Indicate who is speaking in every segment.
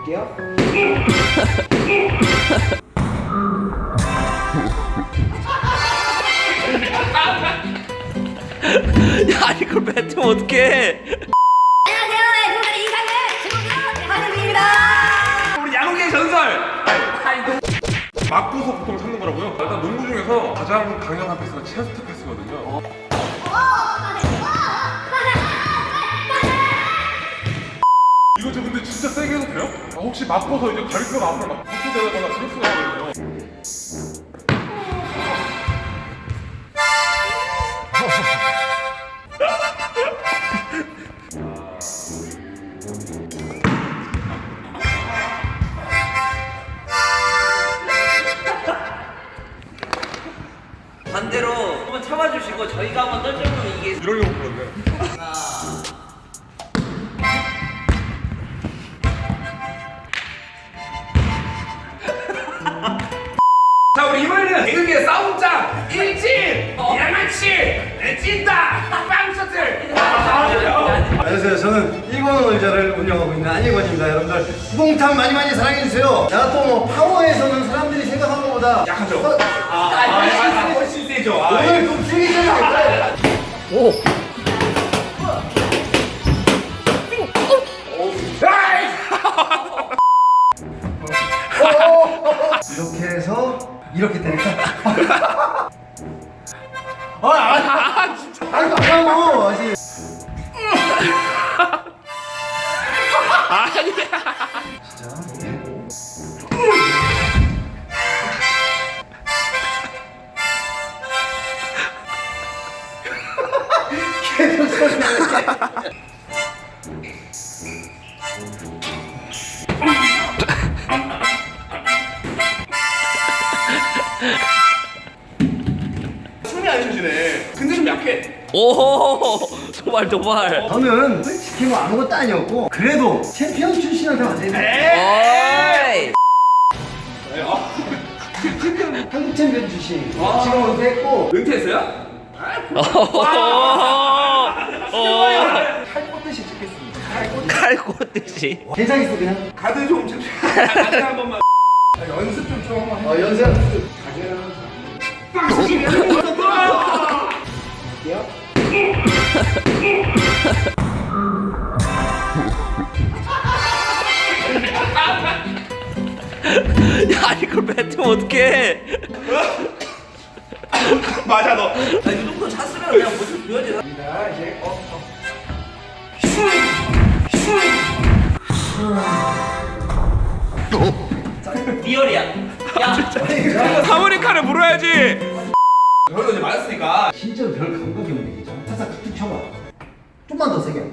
Speaker 1: 볼게요.
Speaker 2: 야 이걸 뱉으면 어떡해.
Speaker 3: 안녕하세요. 애청자의 인상을 지금부터 하늘입니다.
Speaker 4: 우리 야구계의 전설! 맞고서 보통 찾는 거라고요? 일단 농구 중에서 가장 강력한 패스가 체스트 패스거든요. 이거 저 근데 진짜 세게 해도 돼요? 혹시 맞고서 이제 다리뼈가 앞으로 막 붙어대거나 그럴 수가 있거든요.
Speaker 2: 반대로 한번 참아주시고 저희가 한번 던져보면 이게
Speaker 4: 이러려고 그러네. 자, 우리 이번에는 개그계 싸움장 일진 양아치 찐다 빵셔틀.
Speaker 1: 안녕하세요. 저는 일본어 의자를 운영하고 있는 안일권입니다. 여러분들 후봉탄 많이 많이 사랑해주세요. 제가 또 뭐 파워에서는 사람들이 생각하는 것보다
Speaker 4: 약하죠?
Speaker 1: 훨씬 세죠. 오늘 좀 죽이잖아요.
Speaker 2: 오.
Speaker 1: 이렇게 해서 이렇게 되니까 진짜 아니라고 아직 계속 소리 나게
Speaker 4: 춤이 안 춰지네. 근데 좀 약해.
Speaker 2: 오 도발 도발.
Speaker 1: 저는 솔직히 뭐 아무것도 아니었고 그래도 챔피언 출신한테 완전히
Speaker 2: 어이.
Speaker 1: 한국 챔피언 출신 지금 은퇴했고
Speaker 4: 은퇴했어요?
Speaker 1: 칼 꽂듯이 찍겠습니다.
Speaker 2: 칼 꽂듯이.
Speaker 1: 괜찮겠어 그냥?
Speaker 4: 가드 좀 가드 한 번만. 연습 좀 한번 해.
Speaker 1: 연습
Speaker 2: 야 이걸 뱉으면 어떡해.
Speaker 4: 맞아 너.
Speaker 2: 이 정도 찼으면 그냥 모습 보여지나?
Speaker 1: 이제
Speaker 2: 리얼이야. 야.
Speaker 4: 사모니카를 물어야지. 저희도 이제 맞았으니까.
Speaker 1: 진짜로 별 감각이 없네 진짜. 살짝 툭툭 쳐봐. 좀만 더 세게.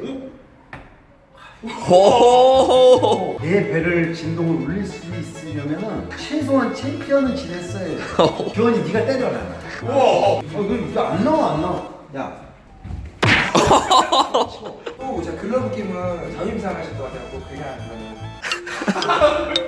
Speaker 2: 호.
Speaker 1: 내 배를 진동을 울릴 수 있으려면은 최소한 챔피언은 지냈어야 돼. 교환이 네가 때려라.
Speaker 4: 우와.
Speaker 1: 이거 안 나와 안 나와. 야.
Speaker 5: 또 제가 글러브 끼면 자유임상 하실 것 같아요. 그냥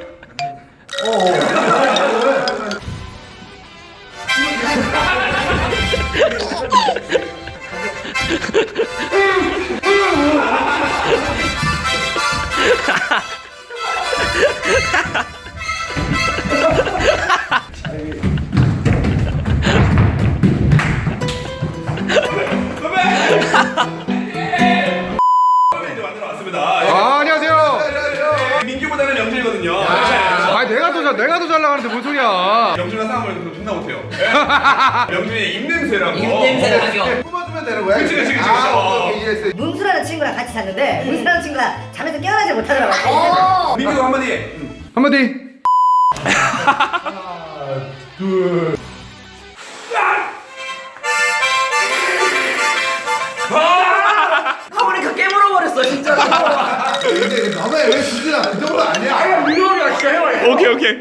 Speaker 4: 이제 만들어 왔습니다.
Speaker 6: 안녕하세요.
Speaker 4: 민규보다는 영준이거든요.
Speaker 6: 아 내가 더 잘 나가는데 뭔 소리야?
Speaker 4: 영준이랑 싸움을 존나 못해요. 영준이 입냄새라고.
Speaker 2: 입냄새 나죠.
Speaker 1: 뽑아주면 되는 거야?
Speaker 4: 그치.
Speaker 1: 이해했어.
Speaker 3: 문수라는 친구랑 같이 잤는데 문수라는 친구가 잠에서 깨어나지 못하더라고요.
Speaker 4: 민규 한마디.
Speaker 6: 한마디.
Speaker 2: 하모니카 깨물어 버렸어 진짜.
Speaker 1: 근데 너가 왜 진짜 그 정도 아니야?
Speaker 4: 오케이.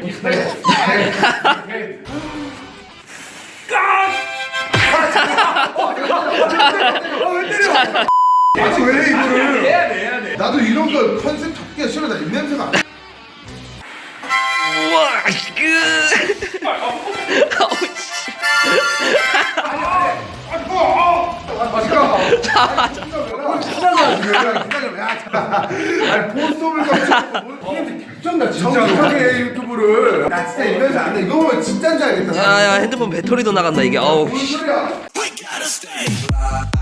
Speaker 1: 아니 왜 이거를?
Speaker 4: 해야 돼.
Speaker 1: 나도 이런 거 컨셉 잡기가 싫어. 나 입냄새가 안 나.
Speaker 2: 우와. 아우 씨.
Speaker 7: 아니 포스업을 개쩐다 진짜 정확하게 유튜브를 나 진짜 이러면서 안돼 이거 보면 진짜인 줄 알겠다
Speaker 2: 야야 핸드폰 배터리도 나간다 이게. 어우.
Speaker 7: 무슨 소리야